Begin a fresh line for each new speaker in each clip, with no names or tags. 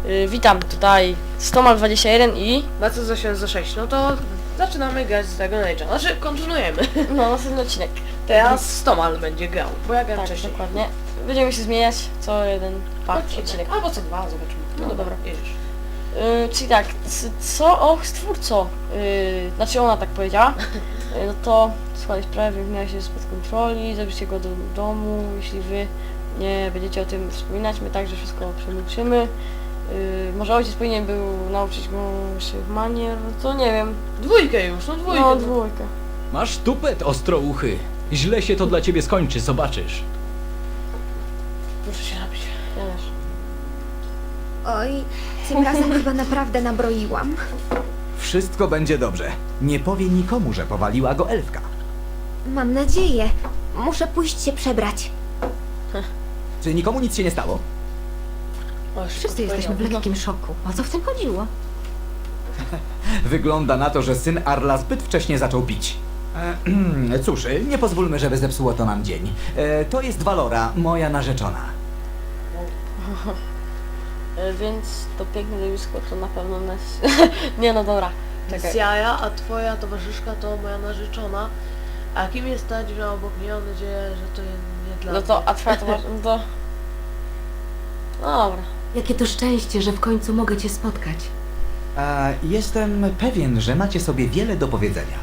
Witam tutaj Stomal21 i...
Na co za 6? No to zaczynamy grać z Dragon Age'a. Znaczy, kontynuujemy.
No, następny odcinek.
Teraz Stomal będzie grał, bo ja grałem
Tak,
wcześniej.
dokładnie. Będziemy się zmieniać co jeden odcinek.
Albo co dwa, zobaczymy.
No dobra.
jedziesz.
Czyli tak, co? Och, stwórco. Znaczy ona tak powiedziała. No to składać sprawę, wymienia się spod kontroli, zabierzcie go do domu, jeśli wy nie będziecie o tym wspominać, my także wszystko przemilczymy. Może ojciec powinien był nauczyć go naszych manier, no to nie wiem.
Dwójkę już, no dwójkę.
No, dwójkę.
Masz tupet, ostrouchy. Źle się to dla ciebie skończy, zobaczysz.
Muszę się napić.
Ja też.
Oj, tym razem chyba naprawdę nabroiłam.
Wszystko będzie dobrze. Nie powie nikomu, że powaliła go elfka.
Mam nadzieję. Muszę pójść się przebrać.
Czy nikomu nic się nie stało?
O, już
Wszyscy jesteśmy w lekkim szoku. O co w tym chodziło?
Wygląda na to, że syn Arla zbyt wcześnie zaczął pić. Cóż, nie pozwólmy, żeby zepsuło to nam dzień. To jest Valora, moja narzeczona.
Więc to piękne zjawisko to na pewno nas... Nie no dobra, czekaj.
Z jaja, a twoja towarzyszka to moja narzeczona. A kim jest ta dziewczyna obok mnie? Mam nadzieję, że to nie dla
No to, a twoja towarzyszka, no to... No dobra.
Jakie to szczęście, że w końcu mogę cię spotkać.
Jestem pewien, że macie sobie wiele do powiedzenia.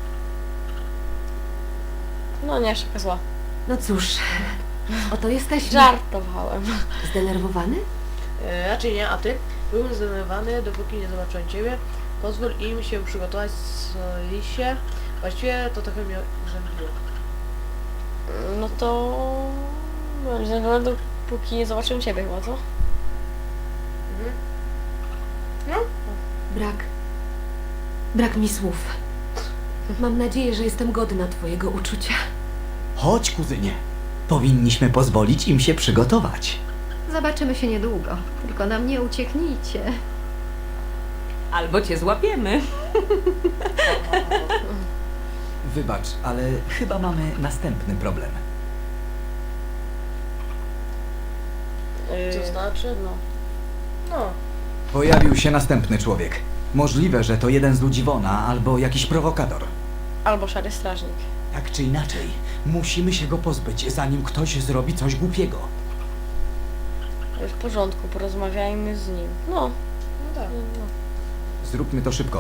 No nie, szybko zła.
No cóż, oto jesteśmy.
Żartowałem.
Zdenerwowany?
Raczej nie, a ty? Byłem zdenerwowany, dopóki nie zobaczyłem ciebie. Pozwól im się przygotować z lisie. Właściwie to trochę mnie urzędziło.
No to... Byłem zdenerwowany, póki nie zobaczyłem ciebie chyba, co?
Brak mi słów. Mam nadzieję, że jestem godna twojego uczucia.
Chodź, kuzynie. Powinniśmy pozwolić im się przygotować.
Zobaczymy się niedługo. Tylko nam nie ucieknijcie.
Albo cię złapiemy.
Wybacz, ale chyba mamy następny problem.
Co znaczy?
No.
No.
Pojawił się następny człowiek. Możliwe, że to jeden z ludzi Wona albo jakiś prowokator.
Albo szary strażnik.
Tak czy inaczej, musimy się go pozbyć, zanim ktoś zrobi coś głupiego.
W porządku, porozmawiajmy z nim. No.
No tak.
No.
Zróbmy to szybko.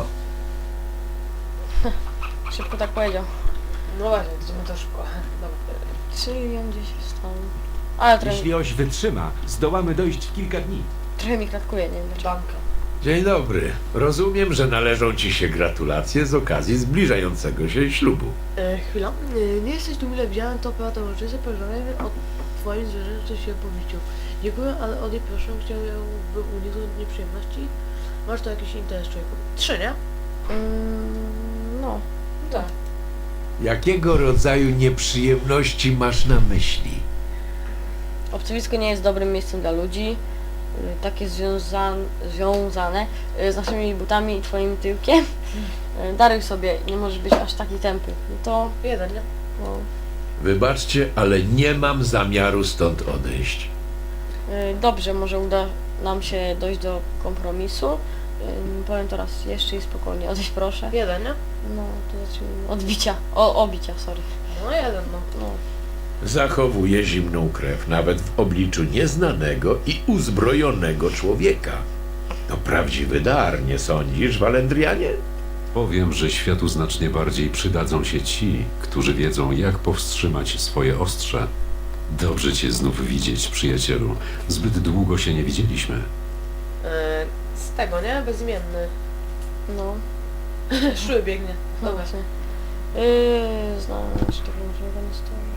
Szybko tak powiedział.
No właśnie, to my to szybko. Dobra.
Czyli on gdzieś wstał. Ale
Jeśli oś wytrzyma, zdołamy dojść w kilka dni.
trochę mi kratkuje, nie wiem dlaczego.
Banka.
Dzień dobry. Rozumiem, że należą ci się gratulacje z okazji zbliżającego się ślubu.
Chwila. Nie jesteś tu mile widziałem, to prawda uroczyste pożegnanie o twoim zwierzęciu się powieściu. Dziękuję, ale od niej proszę, chciałbym uniknąć nieprzyjemności. Masz tu jakiś interes, człowieku? 3, nie?
No.
Tak.
Jakiego rodzaju nieprzyjemności masz na myśli?
Obcowisko nie jest dobrym miejscem dla ludzi. Takie związane z naszymi butami i twoim tyłkiem. Daruj sobie, nie możesz być aż taki tępy. No to...
1, nie?
No.
Wybaczcie, ale nie mam zamiaru stąd odejść.
Dobrze, może uda nam się dojść do kompromisu. Powiem to raz jeszcze i spokojnie, odejść proszę.
1, nie?
No, to zacznijmy od bicia. Obicia, sorry.
No 1, no.
No.
Zachowuję zimną krew nawet w obliczu nieznanego i uzbrojonego człowieka. To prawdziwy dar, nie sądzisz, Walendrianie?
Powiem, że światu znacznie bardziej przydadzą się ci, którzy wiedzą, jak powstrzymać swoje ostrze. Dobrze cię znów widzieć, przyjacielu. Zbyt długo się nie widzieliśmy.
Z tego, nie? Bezimienny.
No.
Szły biegnie.
No
Dobra.
właśnie. Znaleźć tego możliwego nestora.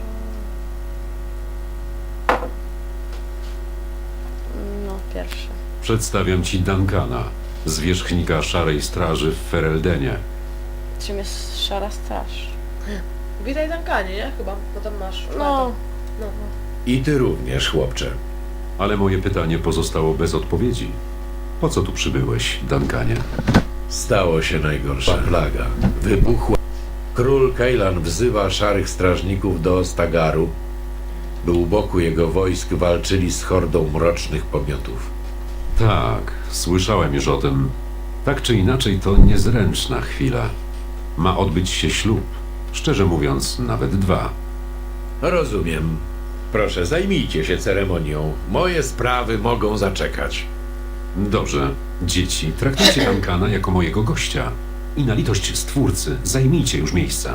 No, pierwszy.
Przedstawiam ci Duncana, zwierzchnika Szarej Straży w Fereldenie.
Czym jest szara straż?
Witaj Dankanie, nie? Chyba, bo tam masz...
No.
No.
I ty również, chłopcze.
Ale moje pytanie pozostało bez odpowiedzi. Po co tu przybyłeś, Duncanie?
Stało się najgorsza plaga. Wybuchła. Król Kejlan wzywa szarych strażników do Ostagaru, by u boku jego wojsk walczyli z hordą mrocznych pomiotów.
Tak, słyszałem już o tym. Tak czy inaczej, to niezręczna chwila. Ma odbyć się ślub. Szczerze mówiąc, nawet 2.
Rozumiem. Proszę, zajmijcie się ceremonią. Moje sprawy mogą zaczekać.
Dobrze, dzieci, traktujcie Duncana jako mojego gościa. I na litość Stwórcy, zajmijcie już miejsca.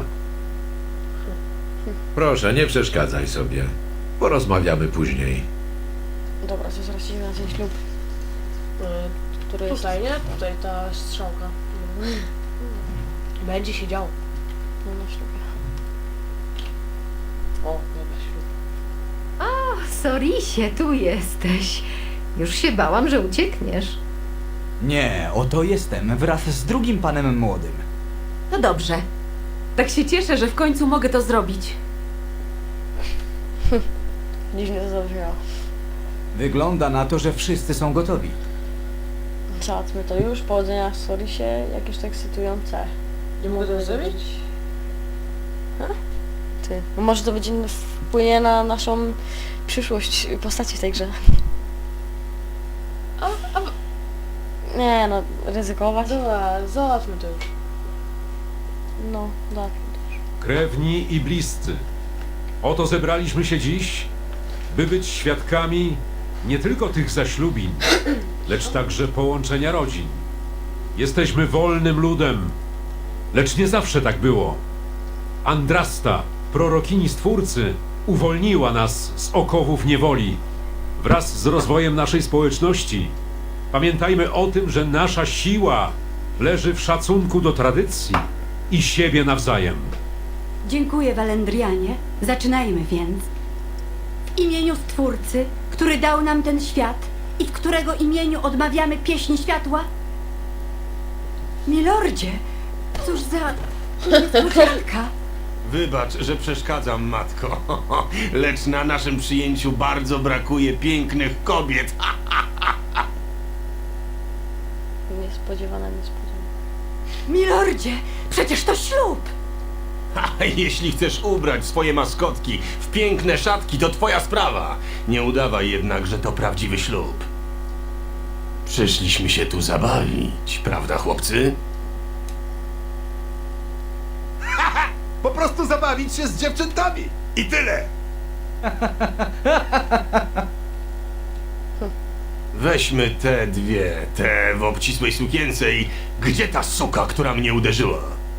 Proszę, nie przeszkadzaj sobie. Porozmawiamy później.
Dobra, to zaraz idziemy na ten ślub. Który jest...
Tutaj, nie? Tutaj ta strzałka. Będzie się działo.
No, na ślubie.
O, dobra, ślub.
Sorisie, tu jesteś. Już się bałam, że uciekniesz.
Nie, oto jestem, wraz z drugim panem młodym.
No dobrze. Tak się cieszę, że w końcu mogę to zrobić.
Dziwnie to zabrzmiało.
Wygląda na to, że wszyscy są gotowi.
Załatwmy to już. Powodzenia w Sorisie. Jakieś to ekscytujące.
Nie mogę tego zrobić?
Ty. No może to będzie wpłynie na naszą przyszłość postaci w tej grze. Nie no, ryzykować.
Dobra, załatwmy to już.
No, tak.
Krewni i bliscy, oto zebraliśmy się dziś, by być świadkami nie tylko tych zaślubin, lecz także połączenia rodzin. Jesteśmy wolnym ludem, lecz nie zawsze tak było. Andrasta, prorokini Stwórcy, uwolniła nas z okowów niewoli. Wraz z rozwojem naszej społeczności pamiętajmy o tym, że nasza siła leży w szacunku do tradycji i siebie nawzajem.
Dziękuję, Walendrianie. Zaczynajmy więc. W imieniu Stwórcy, który dał nam ten świat i w którego imieniu odmawiamy pieśni światła. Milordzie, cóż za niespodzianka.
Wybacz, że przeszkadzam, matko. Lecz na naszym przyjęciu bardzo brakuje pięknych kobiet.
Niespodziewana.
Milordzie, przecież to ślub.
A jeśli chcesz ubrać swoje maskotki w piękne szatki, to twoja sprawa. Nie udawaj jednak, że to prawdziwy ślub. Przyszliśmy się tu zabawić, prawda, chłopcy? Po prostu zabawić się z dziewczętami. I tyle. Weźmy te dwie, te w obcisłej sukience i gdzie ta suka, która mnie uderzyła?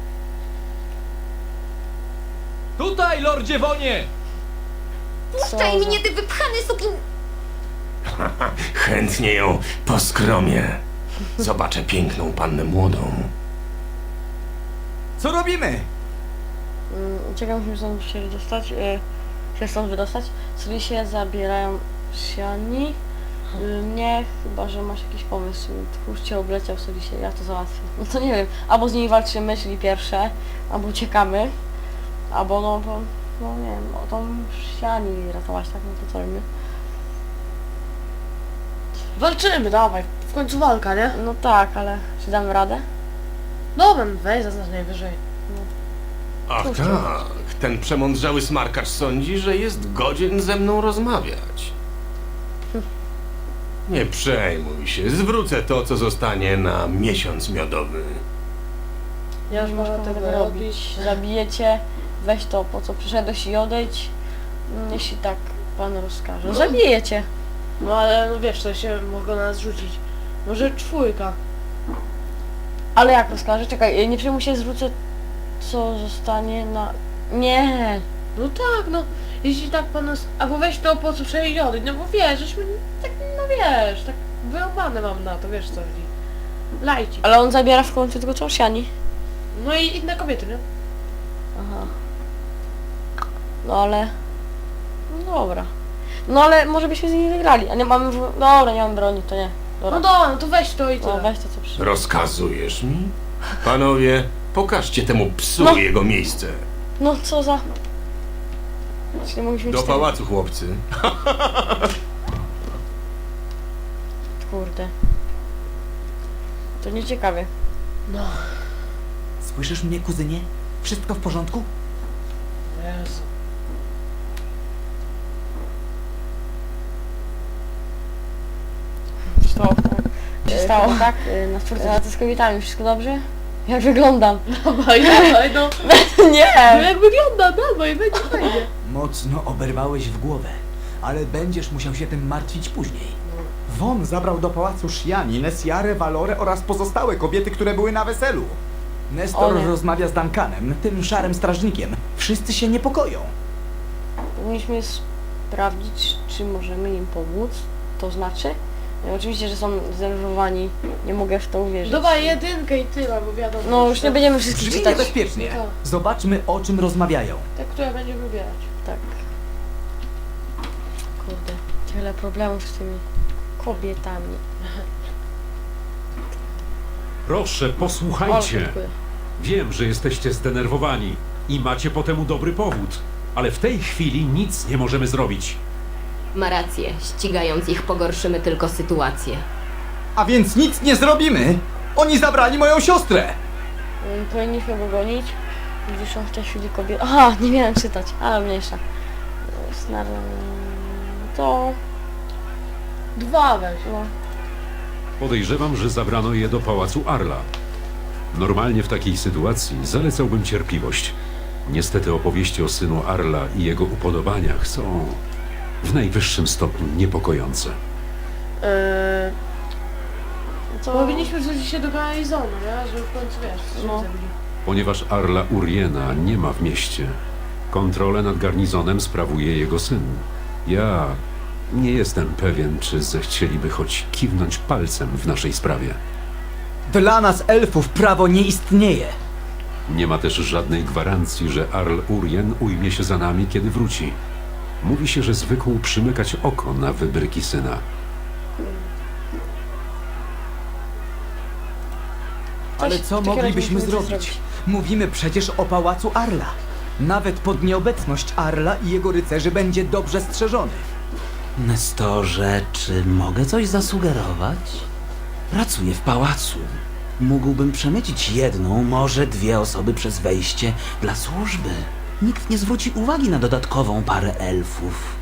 Tutaj, lordzie Wonie!
Puszczaj mnie, ty wypchany sukin...
Chętnie ją poskromię. Zobaczę piękną pannę młodą.
Co robimy?
Czekam, musimy stąd się wydostać. Się stąd wydostać. Sorisie zabierają Siani. Nie, chyba że masz jakiś pomysł. Tchórz cię obleciał Sorisie, ja to załatwię. No to nie wiem, albo z nimi walczymy, czyli pierwsze, albo uciekamy, albo no nie wiem, o tą Siani ratować, tak? No to co robimy?
Walczymy, dawaj. W końcu walka, nie?
No tak, ale czy damy radę?
Dobra, weź zaznacz najwyżej.
Ach
Cóż,
tak, ten przemądrzały smarkacz sądzi, że jest godzien ze mną rozmawiać. Nie przejmuj się, zwrócę to, co zostanie na miesiąc miodowy.
Ja już
Nie masz
mogę
prawa
tego
tego
robić.
robić. Zabijecie, weź to, po co przyszedłeś i odejdź. Jeśli tak pan rozkaże. Zabijecie.
No ale no wiesz, to się mogą na nas rzucić. Może 4.
Ale jak rozkaże? Czekaj, nie przejmuj się, zwrócę co zostanie na... Nie!
No tak, no. Jeśli tak pan nas... Albo weź to, po co przejść odejdź, no bo wiesz, żeśmy tak, no wiesz, tak wyrobane mam na to, wiesz co chodzi. Lajci.
Ale on zabiera w końcu tylko co? Siani?
No i inne kobiety, nie?
Aha. No ale... No dobra. No ale może byśmy z nimi wygrali, a nie mamy... Dobra, nie mam broni, to nie. Dobra.
No dobra, no to weź to i
No
tyle.
weź to co przyszło.
Rozkazujesz mi? Panowie, pokażcie temu psu
No.
jego miejsce.
No co za... Czyli mogliśmy
Do
cztery-
pałacu, chłopcy.
Kurde. To nieciekawie.
No.
Słyszysz mnie, kuzynie? Wszystko w porządku?
Jezu.
To stało, tak? Na czwórce lat z kobietami, wszystko dobrze? Jak wyglądam?
Dawaj, dawaj, no. No
Nie!
jak wygląda, dawaj, będzie fajnie.
Mocno oberwałeś w głowę, ale będziesz musiał się tym martwić później. Won zabrał do pałacu Shiani, Nessiarę, Valorę oraz pozostałe kobiety, które były na weselu. Nestor
O nie.
rozmawia z Duncanem, tym szarym strażnikiem. Wszyscy się niepokoją.
Powinniśmy sprawdzić, czy możemy im pomóc. To znaczy? Oczywiście, że są zdenerwowani. Nie mogę w to uwierzyć.
Dawaj jedynkę i tyle, bo wiadomo.
No już nie będziemy wszystkich
Brzmi
czytać.
niebezpiecznie.
Tak.
Zobaczmy, o czym rozmawiają.
Te, które będziemy wybierać.
Tak. Kurde, tyle problemów z tymi kobietami.
Proszę,
O,
posłuchajcie.
dziękuję.
Wiem, że jesteście zdenerwowani i macie po temu dobry powód, ale w tej chwili nic nie możemy zrobić.
Ma rację, ścigając ich pogorszymy tylko sytuację.
A więc nic nie zrobimy! Oni zabrali moją siostrę!
Powinniśmy go gonić. Gdzie są w tej chwili kobiety? Aha, nie miałem czytać, ale mniejsza. To...
2 weź.
No.
Podejrzewam, że zabrano je do pałacu Arla. Normalnie w takiej sytuacji zalecałbym cierpliwość. Niestety opowieści o synu Arla i jego upodobaniach są w najwyższym stopniu niepokojące.
To...
Powinniśmy wrzucić się do garnizonu, nie? Żeby w końcu, wiesz,
No.
no. zabili.
Ponieważ Arla Uriena nie ma w mieście, kontrolę nad garnizonem sprawuje jego syn. Ja nie jestem pewien, czy zechcieliby choć kiwnąć palcem w naszej sprawie.
Dla nas elfów prawo nie istnieje.
Nie ma też żadnej gwarancji, że Arl Urien ujmie się za nami, kiedy wróci. Mówi się, że zwykł przymykać oko na wybryki syna.
Ale co moglibyśmy zrobić? Mówimy przecież o pałacu Arla. Nawet pod nieobecność Arla i jego rycerzy będzie dobrze strzeżony.
Nestorze, czy mogę coś zasugerować? Pracuję w pałacu. Mógłbym przemycić jedną, może 2 osoby przez wejście dla służby. Nikt nie zwróci uwagi na dodatkową parę elfów.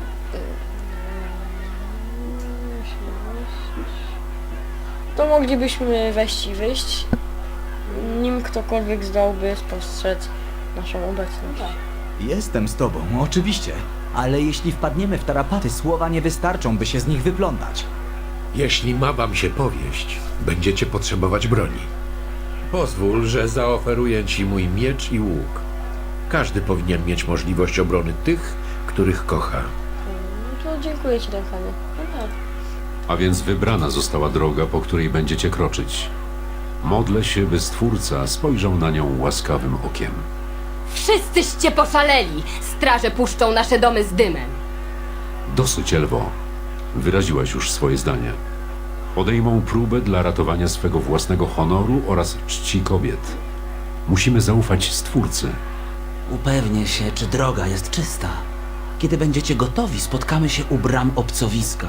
To moglibyśmy wejść i wyjść, nim ktokolwiek zdałby spostrzec naszą obecność.
Jestem z tobą, oczywiście. Ale jeśli wpadniemy w tarapaty, słowa nie wystarczą, by się z nich wyplątać.
Jeśli ma wam się powieść, będziecie potrzebować broni. Pozwól, że zaoferuję ci mój miecz i łuk. Każdy powinien mieć możliwość obrony tych, których kocha.
No to dziękuję ci, Duncanie.
A więc wybrana została droga, po której będziecie kroczyć. Modlę się, by Stwórca spojrzał na nią łaskawym okiem.
Wszyscyście poszaleli! Straże puszczą nasze domy z dymem.
Dosyć, Elwo. Wyraziłaś już swoje zdanie. Podejmą próbę dla ratowania swego własnego honoru oraz czci kobiet. Musimy zaufać Stwórcy.
Upewnię się, czy droga jest czysta. Kiedy będziecie gotowi, spotkamy się u bram obcowiska.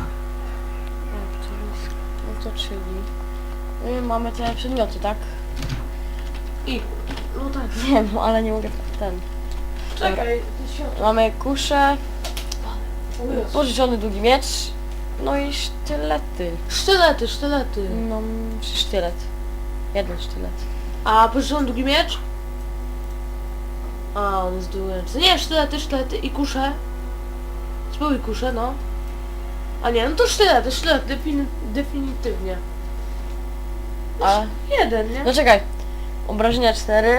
No to czyli... mamy te przedmioty, tak?
I, no tak.
Wiem, no ale nie mogę ten...
Czekaj, ty światło.
Mamy kuszę,
O Jezu.
pożyczony długi miecz, no i sztylety.
Sztylety, sztylety.
No, czy sztylet. Jeden sztylet.
A pożyczony długi miecz? A, on jest długi. Nie, sztylety, sztylety i kusze. Spróbuj kusze, no. A nie, no to sztylety, definitywnie.
A...
Jeden, nie?
No czekaj. Obrażenia 4.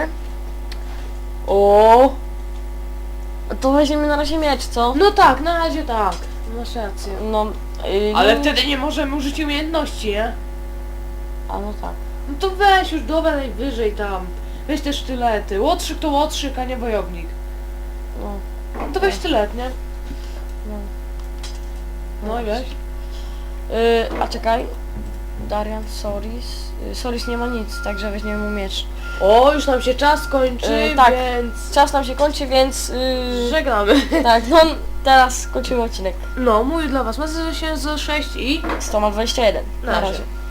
O. To weźmiemy na razie miecz, co?
No tak, na razie tak. Masz rację.
No...
Ale
no,
wtedy nie możemy użyć umiejętności, nie?
A no tak.
No to weź już dobra najwyżej tam. Weź te sztylety. Łotrzyk to łotrzyk, a nie wojownik.
No.
No to weź sztylet, nie?
No.
No i weź.
A czekaj. Darian, Soris. Soris nie ma nic, także weźmiemy mu miecz.
O, już nam się czas kończy,
tak.
więc...
Czas nam się kończy, więc...
Żegnamy.
tak, no teraz kończymy odcinek.
No, mówię dla was, Mazę się 06 i...
121.
Na
Na
razie.
razie.